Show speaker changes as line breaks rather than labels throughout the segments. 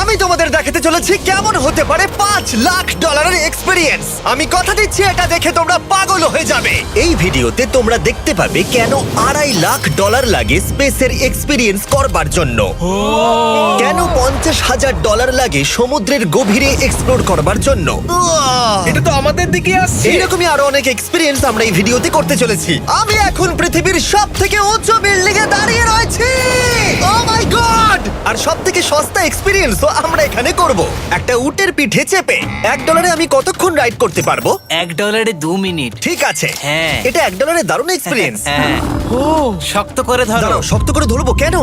আমি তোমাদের দেখাতে চলেছি কেমন হতে পারে $5 লাখ এক্সপিরিয়েন্স। আমি কথা দিচ্ছি এটা দেখে তোমরা পাগল হয়ে যাবে। এই ভিডিওতে তোমরা দেখতে পাবে কেন $2.5 লাখ লাগে স্পেসের এক্সপিরিয়েন্স করবার জন্য, কেন $50,000 লাগে সমুদ্রের গভীরে এক্সপ্লোর করবার জন্য।
এটা তো আমাদের দিকে আসছে।
এইরকমই আরো অনেক এক্সপিরিয়েন্স আমরা এই ভিডিওতে করতে চলেছি। আমি এখন পৃথিবীর সব থেকে উঁচু বিল্ডিং এ দাঁড়িয়ে রয়েছি। ও মাই গড! আর সব থেকে সস্তা এক্সপিরিয়েন্সও আমরা এখানে করব, একটা উটের পিঠে চেপে। $1 আমি কতক্ষণ রাইড করতে পারবো?
$1 2 মিনিট।
ঠিক আছে,
হ্যাঁ।
এটা $1 দারুণ এক্সপিরিয়েন্স।
হ্যাঁ। শক্ত করে ধরো।
দাঁড়াও, শক্ত করে ধরবো কেন?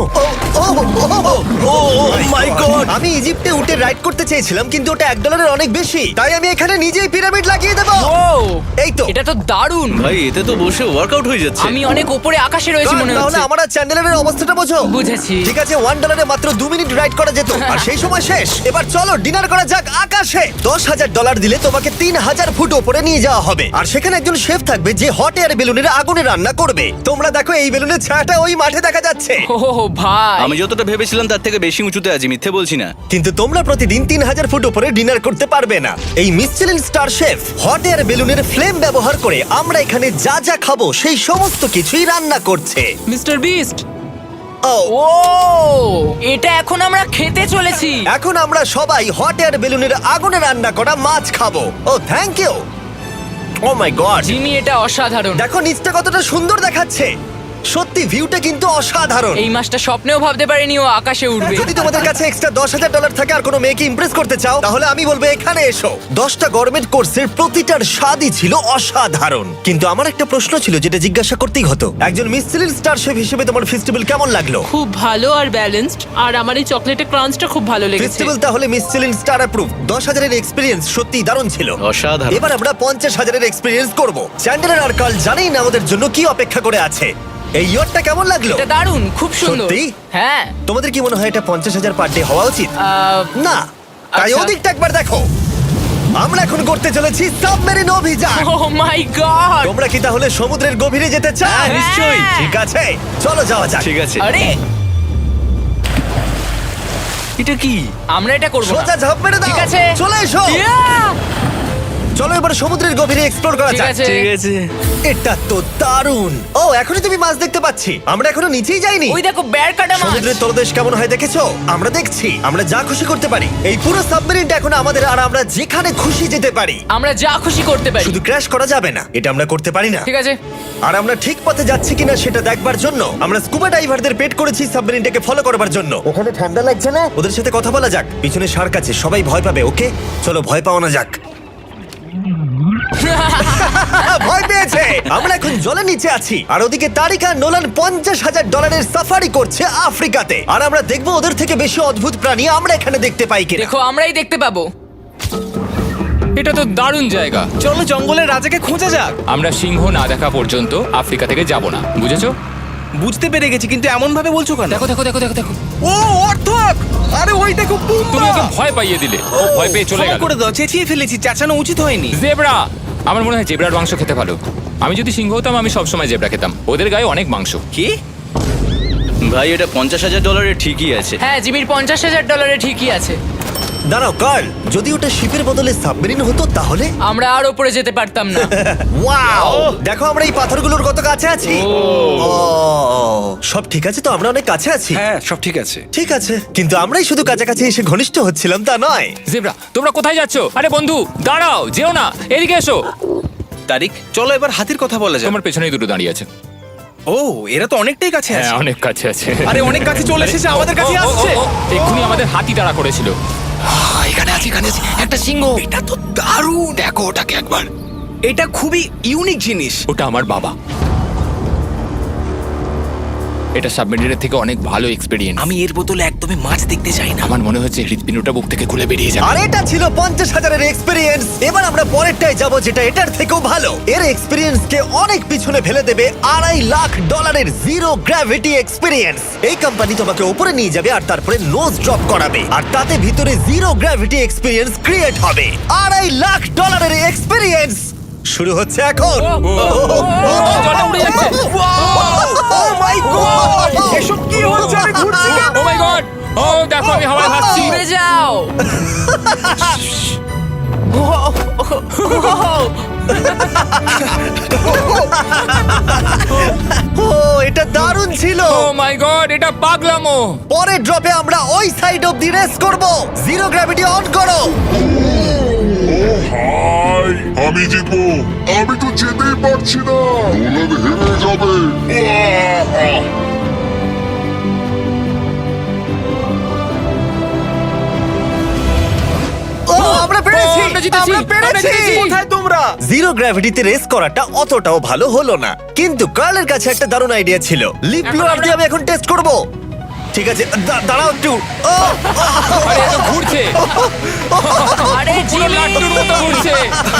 My god! আমি ইজিপ্টে উটে রাইড করতে চেয়েছিলাম, কিন্তু ওটা $1 অনেক বেশি, তাই আমি এখানে নিজেই পিরামিড লাগিয়ে দেবো। এই তো।
এটা তো দারুণ।
ভাই এতে তো বসে ওয়ার্কআউট হয়ে যাচ্ছে।
আমি অনেক উপরে আকাশে রয়েছি মনে
তাহলে
হচ্ছে।
আমার আর চ্যান্ডেলের অবস্থাটা বোঝো।
বুঝেছি।
ঠিক আছে, $1 মাত্র 2 মিনিট রাইড করা যেত, আর সেই সময় শেষ। এবার চলো ডিনার করা যাক আকাশে। $10,000 দিলে তোমাকে 3000 ফুট উপরে নিয়ে যাওয়া হবে, আর সেখানে একজন শেফ থাকবে যে হট এয়ার বেলুনের আগুনে রান্না করবে। তোমরা দেখো এই বেলুনের ছায়াটা ওই মাঠে দেখা যাচ্ছে।
ও ভাই,
আমি যতটা ভেবেছিলাম তার থেকে বেশি উঁচুতে আছি, মিথ্যে বলছি না।
কিন্তু তোমরা প্রতিদিন 3000 ফুট উপরে ডিনার করতে পারবে না। এই Michelin star chef hot air বেলুনের ফ্লেম ব্যবহার করে আমরা এখানে যা যা খাবো সেই সমস্ত কিছুই রান্না করছে।
Mister beast.
ও,
ও, এটা এখন আমরা খেতে চলেছি।
এখন আমরা সবাই হট এয়ার বেলুনের আগুনে রান্না করা মাছ খাবো। Oh thank you. Oh my god,
Jimmy, এটা অসাধারণ।
দেখো নিচটা কতটা সুন্দর দেখাচ্ছে। সত্যি ভিউটা কিন্তু অসাধারণ।
এই মাসটা স্বপ্নেও ভাবতে পারিনি ও আকাশে উঠবে।
যদি তোমাদের কাছে এক্সট্রা $10,000 থাকে আর কোনো মেয়েকে ইমপ্রেস করতে চাও, তাহলে আমি বলবো এখানে এসো। 10টা গভর্নমেন্ট কোর্সের প্রতিটার স্বাদই ছিল অসাধারণ। কিন্তু আমার একটা প্রশ্ন ছিল যেটা জিজ্ঞাসা করতেই হতো, একজন মিশেলিন স্টার শেফ হিসেবে তোমার ফেস্টিভ্যাল কেমন লাগলো?
খুব ভালো আর ব্যালেন্সড, আর আমার এই চকলেটের ক্রাঞ্চটা খুব ভালো লেগেছে।
ফেস্টিভ্যাল তাহলে মিশেলিন স্টার অ্যাপ্রুভ। 10,000 এক্সপিরিয়েন্স সত্যি দারুণ ছিল।
অসাধারণ।
এবার আমরা 50,000 এক্সপিরিয়েন্স করব। চ্যান্ডেলার আর কার্ল জানেই না আমাদের জন্য কি অপেক্ষা করে আছে। এই ইয়ারটা কেমন লাগলো?
এটা দারুণ, খুব সুন্দর।
সত্যি?
হ্যাঁ।
তোমাদের কি মনে হয় এটা 50,000 পার ডে হওয়া উচিত? না, তাই
আচ্ছা।
ওদিকটা একবার দেখো। আমরা এখন করতে চলেছি সাবমেরিন অভিযান।
Oh my god.
তোমরা কি তাহলে সমুদ্রের গভীরে যেতে চাও?
হ্যাঁ, নিশ্চয়ই।
ঠিক আছে, চলো যাওয়া যাক।
ঠিক আছে।
আরে,
এটা কি?
আমরা এটা করব না।
সোজা ঝাঁপ মেরে দাও।
ঠিক আছে।
চলে এসো।
Yeah!
চলো এবার সমুদ্রের গভীরে এক্সপ্লোর করা
ঠিক
যাক।
আছে।
ঠিক আছে।
এটা তো দারুণ। ও, এখনই তুমি মাছ দেখতে পাচ্ছি। আমরা এখনো নিচেই যাইনি।
ওই দেখো বের কাটা মাছ।
সমুদ্রের তলদেশ কেমন হয় দেখেছো? আমরা দেখছি, আমরা যা খুশি করতে পারি। এই পুরো সাবমেরিনটা এখন আমাদের, আর আমরা যেখানে খুশি যেতে পারি।
আমরা যা খুশি করতে পারি।
শুধু ক্র্যাশ করা যাবে না, এটা আমরা করতে পারি না।
ঠিক আছে।
আর আমরা ঠিক পথে যাচ্ছি কিনা সেটা দেখবার জন্য আমরা স্কুবা ডাইভারদের পেড করেছি সাবমেরিনটাকে ফলো করবার জন্য। ওখানে ঠান্ডা লাগছে না? ওদের সাথে কথা বলা যাক। পিছনে শার্ক আছে, সবাই ভয় পাবে। ওকে চলো ভয় পাওয়া না যাক। ভয় পেয়েছে। আমরা এখন জলের নিচে আছি, আর ওদিকে তারিকা নোলান $50,000 সাফারি করছে আফ্রিকাতে। আর আমরা দেখবো ওদের থেকে বেশি অদ্ভুত প্রাণী আমরা এখানে দেখতে পাই কিনা।
দেখো, আমরাই দেখতে পাবো।
এটা তো দারুণ জায়গা।
চলো জঙ্গলের রাজাকে খোঁজা যাক।
আমরা সিংহ না দেখা পর্যন্ত আফ্রিকা থেকে যাব না, বুঝেছো?
বুঝতে পেরে গেছি, কিন্তু এমন ভাবে বলছো কেন?
দেখো দেখো দেখো দেখো দেখো,
ও অর্থক! আরে ওই দেখো
তুমি ওকে ভয় পাইয়ে দিলে। ও ভয় পেয়ে চলে
ক্ষমা
গেল।
করে দাও, চেঁচিয়ে ফেলেছি, চাচানো উচিত হয়নি।
জেব্রা, আমার মনে হয় জেব্রার মাংস খেতে ভালো। আমি যদি সিংহ হতাম আমি সবসময় জেব্রা খেতাম, ওদের গায়ে অনেক মাংস।
কি? ভাই এটা $50,000 ঠিকই আছে।
হ্যাঁ, জিমির $50,000 ঠিকই আছে।
দাঁড়াও কার্ল, যদি ওটা শিপের বদলে সাবমেরিন হতো তাহলে?
আমরা আর উপরে যেতে পারতাম না।
ওয়াও, দেখো আমরা এই পাথরগুলোর কত কাছে আছি। ও, সব ঠিক আছে তো? আমরা অনেক কাছে আছি।
হ্যাঁ সব ঠিক আছে।
ঠিক আছে, কিন্তু আমরাই শুধু কাছাকাছি এসে ঘনিষ্ঠ হচ্ছিলাম তা নয়।
জেব্রা, তোমরা কোথায় যাচ্ছ? আরে বন্ধু দাঁড়াও, যেও না, এদিকে এসো।
তারিক চলো এবার হাতির কথা বলা যাক।
তোমার পেছনেই দুটো দাঁড়িয়ে আছে।
ও এরা তো অনেকটাই কাছে
হ্যাঁ,
আছে।
অনেক কাছে আছে।
আরে অনেক কাছে চলে এসেছে, আমাদের কাছে আসছে।
এক্ষুনি আমাদের হাতি তাড়া করেছিল।
এখানে আছে একটা সিংহ।
এটা তো দারুণ।
দেখো ওটাকে একবার।
এটা খুবই ইউনিক জিনিস।
ওটা আমার বাবা। এটা সাবমেরিনের থেকে অনেক ভালো এক্সপেরিয়েন্স।
আমি এর বোতলে একদমই মাছ দেখতে চাই না।
আমার মনে হচ্ছে হৃদপিণ্ডটা বুক থেকে খুলে বেরিয়ে যাবে।
আর এটা ছিল 50,000 এক্সপিরিয়েন্স। এবার আমরা পরেরটায় যাব যেটা এটার থেকেও ভালো। এর এক্সপিরিয়েন্স কে অনেক পিছনে ফেলে দেবে $2.5 লাখ জিরো গ্র্যাভিটি এক্সপিরিয়েন্স। এই কোম্পানি তোমাকে উপরে নিয়ে যাবে আর তারপরে নোজ ড্রপ করাবে, আর তাতে ভিতরে জিরো গ্র্যাভিটি এক্সপিরিয়েন্স ক্রিয়েট হবে। $2.5 এক্সপিরিয়েন্স শুরু হচ্ছে এখন।
জলে উড়ে যাচ্ছে।
ও মাই গড,
এসব কি হচ্ছে? আমি ঘুরছি কেন?
ও মাই গড! ও দেখো আমি হাওয়ায় ভাসছি।
উড়ে যাও।
ও এটা দারুণ ছিল।
ও মাই গড, এটা পাগলামো।
পরের ড্রপে আমরা ওই সাইড অফ দি রেস করব। জিরো গ্র্যাভিটি অন করো।
হাই, আমি জিতবো। আমি তো যেতেই পারছি না, নোলান হেরে যাবে। আহ!
ও আমরা পেরেছি,
ও, আমরা জিতেছি,
আমরা পেরেছি।
আমরা জিতেছি।
কোথায় তোমরা? জিরো গ্র্যাভিটিতে রেস করাটা অতটাও ভালো হলো না, কিন্তু কার্লের কাছে একটা দারুণ আইডিয়া ছিল। লিপ ব্লোয়ার দিয়ে আমি এখন টেস্ট করব। ঠিক আছে, দাঁড়াও একটু। ও,
আরে এত ঘুরছে,
আরে
পুরো
জিমি
লাট্টুর মতো ঘুরছে।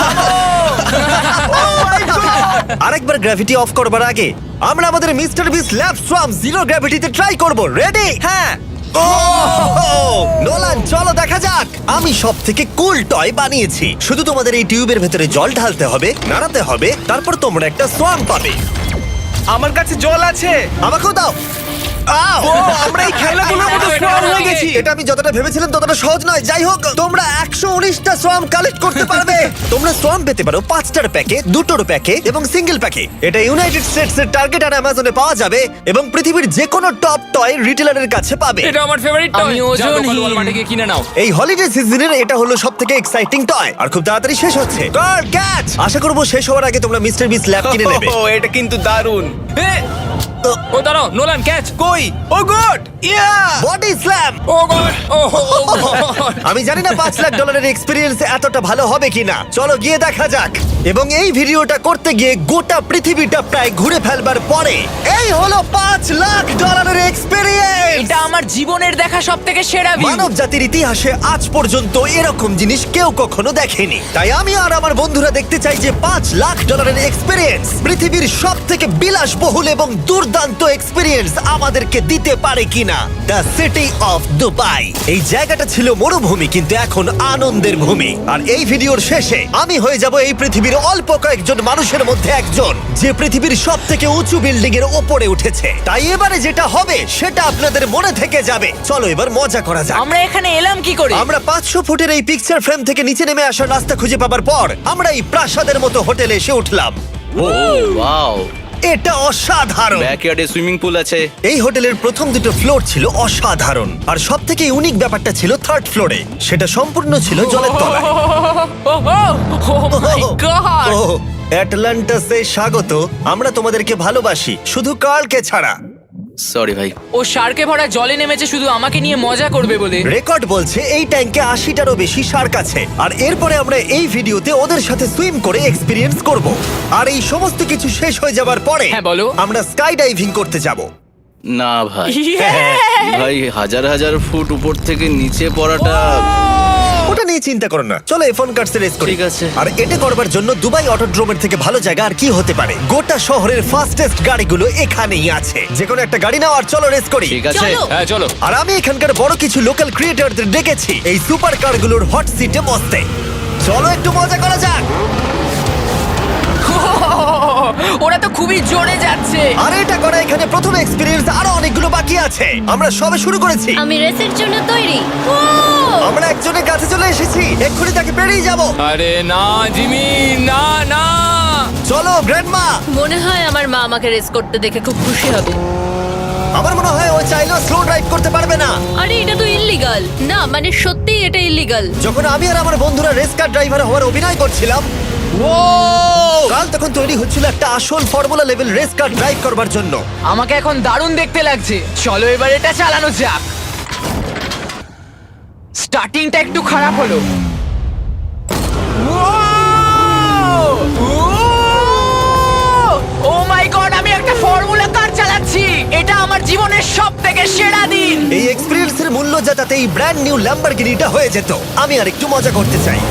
আরেকবার গ্র্যাভিটি অফ করবার আগে আমরা আমাদের মিস্টার বিস ল্যাব সোয়াম জিরো গ্র্যাভিটিতে ট্রাই করব। রেডি?
হ্যাঁ।
ও নোলান, চলো দেখা যাক। আমি সব থেকে কুল টয় বানিয়েছি। শুধু তোমাদের এই টিউবের ভেতরে জল ঢালতে হবে, নাড়াতে হবে, তারপর তোমরা একটা সোয়াম পাবে।
আমার কাছে জল আছে।
আমাকেও দাও। আও!
আমরা এই খেলাগুলোর মতো স্ট্রং হয়ে গেছি।
এটা আমি যতটা ভেবেছিলাম ততটা সহজ নয়। যাই হোক, তোমরা 119টা সোয়াম কালেক্ট করতে পারবে। তোমরা সোয়াম পেতে পারো 5টার প্যাকে, 2টোর প্যাকে এবং সিঙ্গেল প্যাকে। এটা ইউনাইটেড স্টেটস এর টার্গেট আর অ্যামাজনে পাওয়া যাবে এবং পৃথিবীর যে কোনো টপ টয় রিটেলারের কাছে পাবে।
এটা আমার ফেভারিট টয়।
আমি ওজনহীন।
ওয়ালমার্টে গিয়ে কিনে নাও।
এই হলিডে সিজনের এটা হলো সবথেকে এক্সাইটিং টয় আর খুব তাড়াতাড়ি শেষ হচ্ছে। Guard catch! আশা করব শেষ হওয়ার আগে তোমরা মিস্টার বিস ল্যাব কিনে নেবে।
ও, এটা কিন্তু দারুণ।
ও দাঁড়াও, নোলান ক্যাচ।
কই? Oh god! Yeah!
Body slam!
Oh god, oh god.
আমি জানি না $5 লাখ এক্সপিরিয়েন্স এতটা ভালো হবে কিনা। চলো গিয়ে দেখা যাক। এবং এই ভিডিওটা করতে গিয়ে গোটা পৃথিবীটা প্রায় ঘুরে ফেলবার পরে এই হলো $5 লাখ এক্সপিরিয়েন্স।
এটা আমার জীবনের দেখা সবথেকে সেরা ভিউ।
মানব জাতির ইতিহাসে আজ পর্যন্ত এরকম জিনিস কেউ কখনো দেখেনি। তাই আমি আর আমার বন্ধুরা দেখতে চাই যে $5 লাখ এক্সপিরিয়েন্স পৃথিবীর সব থেকে বিলাসবহুল এবং দুর্দান্ত এক্সপিরিয়েন্স আমাদেরকে দিতে পারে কিনা। The city of Dubai. এই জায়গাটা ছিল মরুভূমি, কিন্তু এখন আনন্দের ভূমি। আর এই ভিডিওর শেষে আমি হয়ে যাব এই পৃথিবীর অল্প কয়েকজন মানুষের মধ্যে একজন, যে পৃথিবীর সব থেকে উঁচু বিল্ডিং এর ওপরে উঠেছে। তাই এবারে যেটা হবে সেটা আপনাদের মনে থেকে যাবে। চলো এবার মজা করা যাক।
আমরা এখানে এলাম কি করে?
আমরা 500 ফুটের এই পিকচার ফ্রেম থেকে নিচে নেমে আসার রাস্তা খুঁজে পাবার পর আমরা এই প্রাসাদের মতো হোটেলে এসে উঠলাম।
ও ওয়াও,
এটা অসাধারণ।
ব্যাকইয়ার্ডে সুইমিং পুল আছে।
এই হোটেলের প্রথম দুটো ফ্লোর ছিল অসাধারণ, আর সব থেকে ইউনিক ব্যাপারটা ছিল থার্ড ফ্লোরে। সেটা সম্পূর্ণ ছিল জলের তলায়।
ও মাই গড!
ও অ্যাটলান্টাসে স্বাগত। আমরা তোমাদেরকে ভালোবাসি, শুধু কার্লকে ছাড়া।
সরি ভাই।
ও শার্কে ভরা জলে নেমেছে শুধু আমাকে নিয়ে মজা করবে বলে।
রেকর্ড বলছে এই ট্যাঙ্কে 80টারও বেশি শার্ক আছে। আর এরপরে আমরা এই ভিডিওতে ওদের সাথে সুইম করে এক্সপিরিয়েন্স করব। আর এই সমস্ত কিছু শেষ হয়ে যাবার পরে
হ্যাঁ, বলো।
আমরা স্কাই ডাইভিং করতে যাব।
না ভাই,
হ্যাঁ।
ভাই হাজার হাজার ফুট উপর থেকে নিচে পড়াটা।
ওটা নিয়ে চিন্তা করো না, চলো F1 কার্স রেস করি।
ঠিক আছে।
আর এটা করবার জন্য দুবাই অটোড্রোমের থেকে ভালো জায়গা আর কি হতে পারে। গোটা শহরের ফাস্টেস্ট গাড়িগুলো এখানেই আছে। যে কোনো একটা গাড়ি নাও আর চলো রেস করি।
ঠিক আছে।
হ্যাঁ চলো।
আর আমি এখানকার বড় কিছু লোকাল ক্রিয়েটরদের ডেকেছি এই সুপার কারগুলোর হট সিটে বসতে। চলো একটু মজা করা যাক।
ওরা তো খুবই জোরে যাচ্ছে।
আর এটা করা এখানে প্রথম এক্সপিরিয়েন্স, আরো অনেকগুলো বাকি আছে। আমরা সবে শুরু করেছি।
আমি রেসের জন্য তৈরি। ও
আমরা একজনের কাছে চলে এসেছি, এক্ষুনি তাকে পেরিয়ে যাব।
আরে না জিমি, না না।
চলো গ্র্যান্ডমা।
মনে হয় আমার মা আমাকে রেস করতে দেখে খুব খুশি হবে।
আমার মনে হয় ও চাইলেও স্লো ড্রাইভ করতে পারবে না।
আরে এটা তো ইল্লিগাল। না মানে সত্যি এটা ইল্লিগাল।
যখন আমি আর আমার বন্ধুরা রেস কার ড্রাইভার হওয়ার অভিনয় করছিলাম, কাল তখন তৈরি হচ্ছিল একটা আসল formula level race car drive করবার জন্য।
আমাকে এখন দারুণ দেখতে লাগছে। চলো এবার এটা চালানো যাক। স্টার্টিংটা একটু খারাপ হলো। ও মাই গড, আমি একটা ফর্মুলা কার চালাচ্ছি। এটা আমার জীবনের সবথেকে সেরা দিন।
এই এক্সপেরিয়েন্সের মূল্য যা তাতে এই ব্র্যান্ড নিউ ল্যাম্বরগিনিটা হয়ে যেত। আমি আর একটু মজা করতে চাই।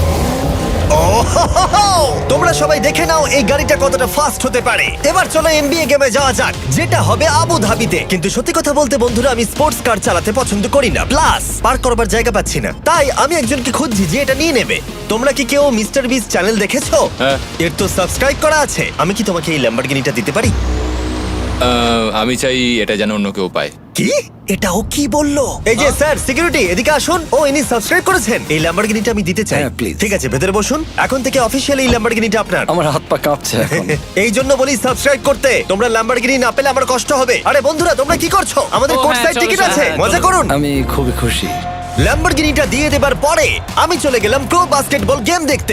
তোমরা সবাই দেখে নাও এই গাড়িটা কতটা ফাস্ট হতে পারে। এবার চলো NBA গেমে যাওয়া যাক, যেটা হবে আবু ধাবিতে। কিন্তু সত্যি কথা বলতে বন্ধুরা, আমি স্পোর্টস কার চালাতে পছন্দ করি না, প্লাস পার্ক করবার জায়গা পাচ্ছি না। তাই আমি একজনকে খুঁজছি যে এটা নিয়ে নেবে। তোমরা কি কেউ মিস্টার বিস চ্যানেল দেখেছো?
হ্যাঁ।
এর তো সাবস্ক্রাইব করা আছে। আমি কি তোমাকে এই ল্যাম্বরগিনিটা দিতে পারি?
আমি চাই এটা যেন অন্য কেউ পায়।
কি এটা ও কি বললো? এই যে স্যার সিকিউরিটি এদিকে আসুন। ও ইনি সাবস্ক্রাইব করেছেন। এই ল্যাম্বরগিনিটা আমি দিতে চাই।
হ্যাঁ, please.
ঠিক আছে, ভেতরে বসুন। এখন থেকে অফিসিয়ালি এই ল্যাম্বরগিনিটা আপনার।
আমার হাত পা কাঁপছে এখন।
এই জন্য বলি সাবস্ক্রাইব করতে। তোমরা ল্যাম্বরগিনি না পেলে আমার কষ্ট হবে। আরে বন্ধুরা তোমরা কি করছো? আমাদের
ও,
কোর্ট
হ্যাঁ,
সাইড
চলো,
টিকিট
চলো,
আছে,
হ্যাঁ,
মজা
চলো।
করুন।
আমি খুবই খুশি।
ল্যাম্বরগিনিটা দিয়ে দেবার পরে আমি চলে গেলাম প্রো বাস্কেটবল গেম দেখতে।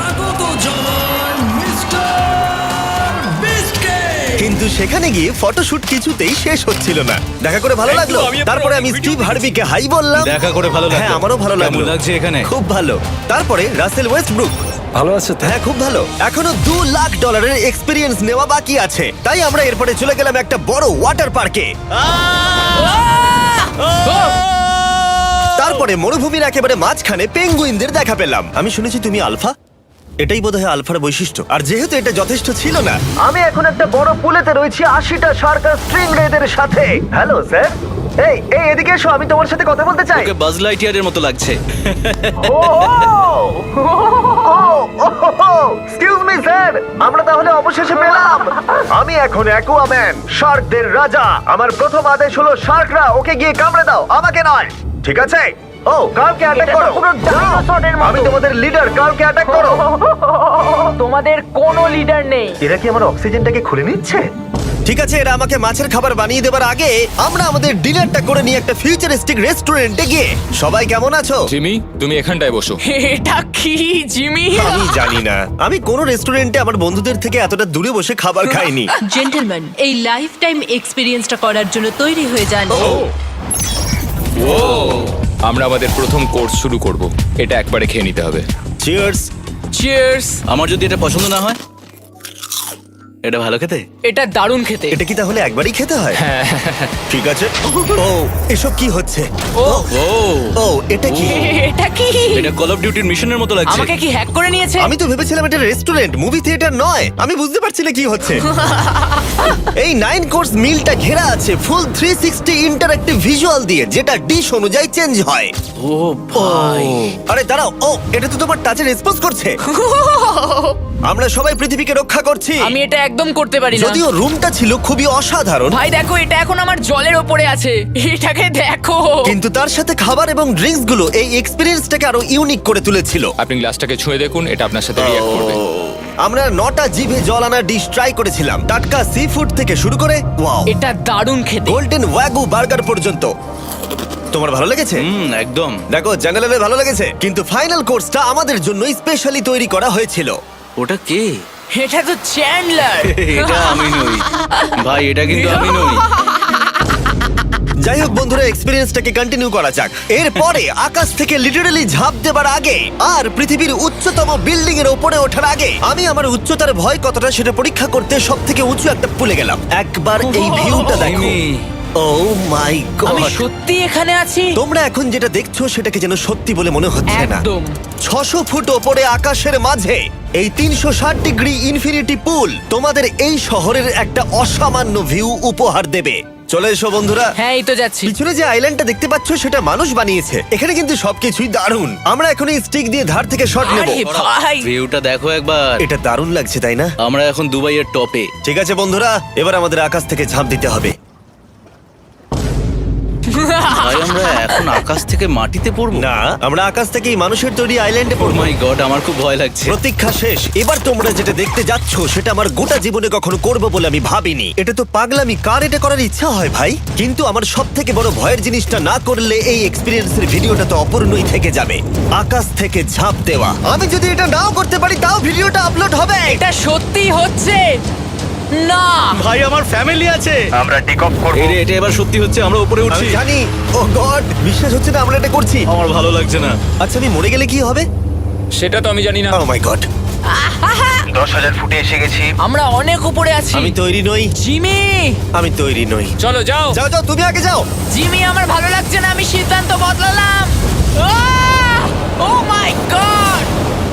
কিন্তু সেখানে গিয়ে ফটোশুট কিছুতেই শেষ হচ্ছিল না। দেখা করে ভালো লাগলো। তারপরে আমি স্টিভ হার্ভিকে হাই বললাম।
দেখা করে ভালো লাগলো।
হ্যাঁ, আমারও ভালো লাগলো।
কেমন লাগছে এখানে?
খুব ভালো। তারপরে রাসেল ওয়েস্টব্রুক।
ভালো আছে তো?
হ্যাঁ, খুব ভালো। এখনো $2 লাখ এক্সপিরিয়েন্স নেওয়া বাকি আছে। তাই আমরা এরপরে চলে গেলাম একটা বড় ওয়াটার পার্কে। তারপরে মরুভূমির একেবারে মাঝখানে পেঙ্গুইনদের দেখা পেলাম। আমি শুনেছি তুমি আলফা। এটাই বোধহয় আলফার বৈশিষ্ট্য। আর যেহেতু এটা যথেষ্ট ছিল না, আমি এখন একটা বড় পুলেতে রয়েছি 80টা শার্ক আর স্ট্রিং রেদের সাথে। Hello sir. এই এই এদিকে এসো, আমি তোমার সাথে কথা বলতে চাই।
ওকে বাজ লাইটিয়ারের মতো লাগছে।
এক্সকিউজ মি স্যার, আমরা তাহলে অবশেষে পেলাম। আমি এখন অ্যাকুয়াম্যান, শার্কদের রাজা। আমার প্রথম আদেশ হলো শার্করা ওকে গিয়ে কামড়ে দাও, আমাকে নয়। ঠিক আছে? ও, কার্লকে অ্যাটাক করো। আমি তোমাদের লিডার, কার্লকে অ্যাটাক করো।
তোমাদের কোনো লিডার নেই।
এরা কি আমার অক্সিজেনটাকে খুলে নিচ্ছে? ঠিক আছে, এরা আমাকে মাছের খাবার বানিয়ে দেবার আগে আমরা আমাদের ডিনারটা করে নিয়ে একটা ফিউচারিস্টিক রেস্টুরেন্টে গিয়ে। সবাই কেমন আছো?
জিমি, তুমি এখানটায় বসো।
এটা কি জিমি?
আমি জানি না, আমি কোন রেস্টুরেন্টে আমার বন্ধুদের থেকে এতটা দূরে বসে খাবার খাইনি।
জেন্টলম্যান, এই লাইফ টাইম এক্সপিরিয়েন্সটা করার জন্য তৈরি হয়ে যান।
আমরা আমাদের প্রথম কোর্স শুরু করব। এটা একবারে খেয়ে নিতে হবে।
চিয়ার্স।
চিয়ার্স।
আমার যদি এটা পছন্দ না হয়? এটা ভালো খেতে?
এটা দারুণ খেতে।
এটা কি তাহলে একবারই খেতে হয়? ঠিক আছে। ও, এসব কি হচ্ছে?
ও
ও,
ও, এটা কি?
এটা কি?
এটা কল অফ ডিউটির মিশনের মতো লাগছে।
আমাকে কি হ্যাক করে নিয়েছে?
আমি তো ভেবেছিলাম এটা রেস্টুরেন্ট, মুভি থিয়েটার নয়। আমি বুঝতে পারছি না কি হচ্ছে। এই 9 কোর্স মিলটা ঘেরা আছে ফুল 360 ইন্টারঅ্যাক্টিভ ভিজুয়াল দিয়ে, যেটা ডিশ অনুযায়ী চেঞ্জ হয়।
ও ভাই,
আরে দাঁড়াও, ও এটা তো তোমার টাচে রেসপন্স করছে। আমরা সবাই পৃথিবীকে রক্ষা করছি।
আমি এটা একদম করতে পারি না।
যদিও রুমটা ছিল খুবই অসাধারণ,
ভাই দেখো, এটা এখন আমার জলের ওপরে আছে। এটাকে দেখো।
কিন্তু তার সাথে খাবার এবং ড্রিঙ্কস গুলো এই এক্সপেরিয়েন্সটাকে আরো ইউনিক করে তুলেছিল।
আপনি গ্লাসটাকে ছুঁয়ে দেখুন, এটা আপনার সাথে রিঅ্যাক্ট করবে।
আমরা 9টা জিভে জল আনা ডিশ ট্রাই করেছিলাম, টাটকা সি ফুড থেকে শুরু করে ওয়াও,
এটা দারুণ খেতে।
গোল্ডেন ওয়াগু বার্গার পর্যন্ত। তোমার ভালো লেগেছে?
একদম।
দেখো, জেনারেলের ভালো লেগেছে, কিন্তু ফাইনাল কোর্সটা আমাদের জন্য স্পেশালি তৈরি করা হয়েছিল।
ওটা কে?
এটা তো চ্যান্ডলার।
এটা আমি নই ভাই, এটা কিন্তু আমি নই।
যাই হোক বন্ধুরা, এক্সপেরিয়েন্সটাকে কন্টিনিউ করা যাক। এরপরে আকাশ থেকে লিটারালি ঝাঁপ দেবার আগে আর পৃথিবীর উচ্চতম বিল্ডিং এর উপরে ওঠার আগে আমি আমার উচ্চতার ভয় কতটা সেটা পরীক্ষা করতে সব থেকে উঁচু একটা পুলে গেলাম। একবার এই ভিউটা দেখো।
জিমি।
ও মাই
আমি
গড!
সত্যি এখানে আছি।
তোমরা এখন যেটা দেখছো সেটাকে যেন সত্যি বলে মনে হচ্ছে না।
একদম।
600 ফুট ওপরে আকাশের মাঝে এই 360 ডিগ্রি ইনফিনিটি পুল তোমাদের এই শহরের একটা অসামান্য ভিউ উপহার দেবে। চলে এসো বন্ধুরা।
হ্যাঁ, এই তো যাচ্ছি।
পিছনে যে আইল্যান্ডটা দেখতে পাচ্ছ সেটা মানুষ বানিয়েছে। এখানে কিন্তু সবকিছুই দারুণ। আমরা এখন এই স্টিক দিয়ে ধার থেকে শট নেব।
আরে ভাই,
ভিউটা দেখো একবার।
এটা দারুণ লাগছে, তাই না?
আমরা এখন দুবাইয়ের টপে।
ঠিক আছে বন্ধুরা, এবার আমাদের আকাশ থেকে ঝাঁপ দিতে হবে।
ভাই, আমরা এখন আকাশ থেকে মাটিতে পড়বো?
না, আমরা আকাশ থেকে এই মানুষের তৈরি আইল্যান্ডে
ও
পড়বো।
মাই গড, আমার খুব ভয় লাগছে।
প্রতীক্ষা শেষ। এবার তোমরা যেটা দেখতে যাচ্ছ সেটা আমার গোটা জীবনে কখনো করবো বলে আমি ভাবিনি। এটা তো পাগলামি, কার এটা করার ইচ্ছা হয় ভাই? কিন্তু আমার সব থেকে বড় ভয়ের জিনিসটা না করলে এই এক্সপিরিয়েন্সের ভিডিওটা তো অপূর্ণই থেকে যাবে। আকাশ থেকে ঝাঁপ দেওয়া। আমি যদি এটা নাও করতে পারি তাও ভিডিওটা আপলোড হবে।
এটা সত্যি হচ্ছে না।
ভাই, আমার ফ্যামিলি আছে।
আমরা টেক অফ করব।
এটা এবার সত্যি হচ্ছে, আমরা উপরে উঠছি।
আমি জানি। ও গড, বিশ্বাস হচ্ছে না আমরা এটা করছি।
আমার ভালো লাগছে না।
আচ্ছা, আমি মরে গেলে কি হবে?
সেটা তো আমি জানি না।
ও মাই গড,
10,000 ফুটে এসে গেছি।
আমরা অনেক উপরে আছি।
আমি তৈরি নই।
জিমি,
আমি তৈরি নই।
চলো যাও।
যাও যাও, তুমি আগে যাও।
জিমি, আমার ভালো লাগছে না। আমি সিদ্ধান্ত বদলালাম। ও মাই গড!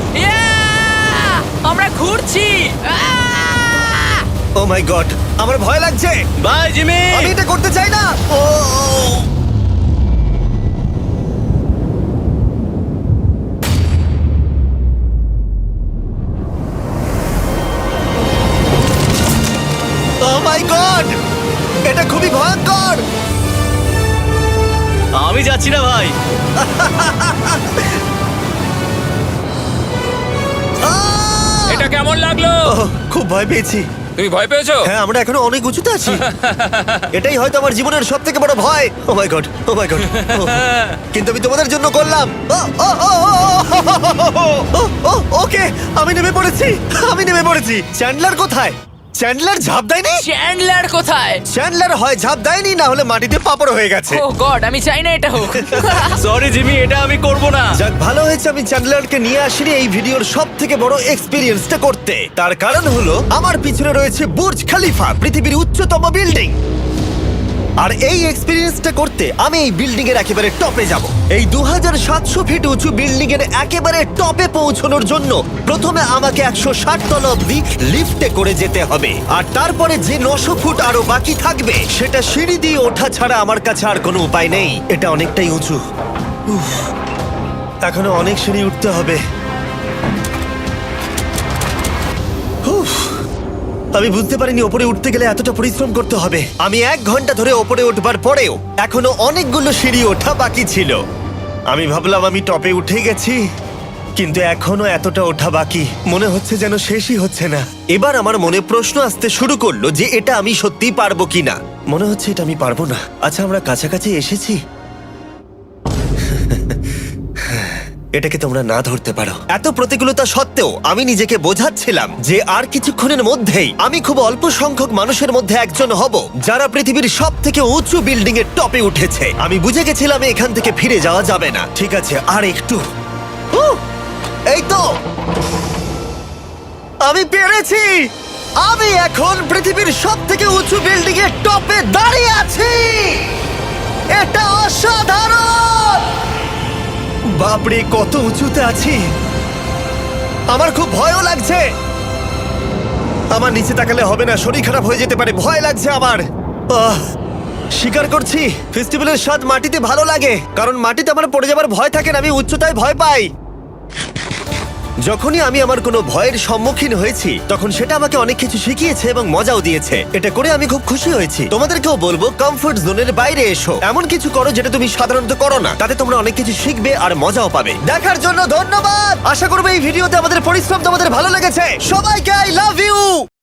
আমরা ঘুরছি।
ও মাই গড, আমার ভয় লাগছে।
Bye Jimmy.
আমি এটা করতে চাই না। ও মাই গড, এটা খুবই ভয়ঙ্কর।
লাগলো?
ওহ, খুব ভয় পেয়েছি।
তুমি ভয় পেয়েছো?
হ্যাঁ, আমরা এখনো অনেক উঁচুতে আছি। এটাই হয়তো আমার জীবনের সব থেকে বড় ভয়। Oh my god, oh my god. কিন্তু আমি তোমাদের জন্য করলাম। ওকে, আমি নেমে পড়েছি, আমি নেমে পড়েছি। চ্যান্ডলার কোথায়? চ্যান্ডলার ঝাঁপ দেয়নি?
চ্যান্ডলার কোথায়?
চ্যান্ডলার হয় ঝাঁপ দেয়নি, না হলে মাটিতে পাপড় হয়ে গেছে।
ও গড, আমি চাই না এটা হোক।
সরি জিমি, এটা আমি করব না।
যাক, ভালো হয়েছে আমি চ্যান্ডলারকে নিয়ে আসিনি এই ভিডিওর সব থেকে বড় এক্সপিরিয়েন্সটা করতে। তার কারণ হলো আমার পিছনে রয়েছে বুর্জ খলিফা, পৃথিবীর উচ্চতম বিল্ডিং। আর এই এক্সপিরিয়েন্সটা করতে আমি এই বিল্ডিং এর একেবারে টপে যাব। এই 2700 ফিট উঁচু বিল্ডিং এর একেবারে টপে পৌঁছানোর জন্য প্রথমে আমাকে 160 তলা অব্দি লিফটে করে যেতে হবে, আর তারপরে যে 900 ফুট আরো বাকি থাকবে সেটা সিঁড়ি দিয়ে ওঠা ছাড়া আমার কাছে আর কোনো উপায় নেই। এটা অনেকটাই উঁচু। উফ, এখনো অনেক সিঁড়ি উঠতে হবে। উফ, আমি বুঝতে পারিনি ওপরে উঠতে গেলে এতটা পরিশ্রম করতে হবে। আমি 1 ঘন্টা ধরে ওপরে উঠবার পরেও এখনো অনেকগুলো সিঁড়ি ওঠা বাকি ছিল। আমি ভাবলাম আমি টপে উঠে গেছি, কিন্তু এখনো এতটা ওঠা বাকি। মনে হচ্ছে যেন শেষই হচ্ছে না। এবার আমার মনে প্রশ্ন আসতে শুরু করলো যে এটা আমি সত্যিই পারবো কিনা। মনে হচ্ছে এটা আমি পারবো না। আচ্ছা, আমরা কাছাকাছি এসেছি। এটাকে তোমরা না ধরতে পারো। এত প্রতিকূলতা সত্ত্বেও আমি নিজেকে বোঝাচ্ছিলাম যে আর কিছুক্ষণের মধ্যেই আমি খুব অল্প সংখ্যক মানুষের মধ্যে একজন হব যারা পৃথিবীর সব থেকে উঁচু বিল্ডিং এর টপে উঠেছে। আমি বুঝে গেছিলাম এখান থেকে ফিরে যাওয়া যাবে না। ঠিক আছে, আর একটু। এই তো, আমি পেরেছি। আমি এখন পৃথিবীর সব থেকে উঁচু বিল্ডিং এর টপে দাঁড়িয়ে আছি। এটা অসাধারণ। বাপরে, কত উঁচুতে আছি। আমার খুব ভয়ও লাগছে। আমার নিচে তাকালে হবে না, শরীর খারাপ হয়ে যেতে পারে। ভয় লাগছে আমার। স্বীকার করছি, ফেস্টিভ্যালের স্বাদ মাটিতে ভালো লাগে, কারণ মাটিতে আমার পড়ে যাবার ভয় থাকে না। আমি উচ্চতায় ভয় পাই। যখনই আমি আমার কোনো ভয়ের সম্মুখীন হয়েছি তখন সেটা আমাকে অনেক কিছু শিখিয়েছে এবং মজাও দিয়েছে। এটা করে আমি খুব খুশি হয়েছি। তোমাদেরকেও বলবো কমফোর্ট জোনের বাইরে এসো, এমন কিছু করো যেটা তুমি সাধারণত করো না। তাতে তোমরা অনেক কিছু শিখবে আর মজাও পাবে। দেখার জন্য ধন্যবাদ। আশা করবো এই ভিডিওতে আমাদের পরিশ্রম তোমাদের ভালো লেগেছে। সবাইকে আই লাভ ইউ।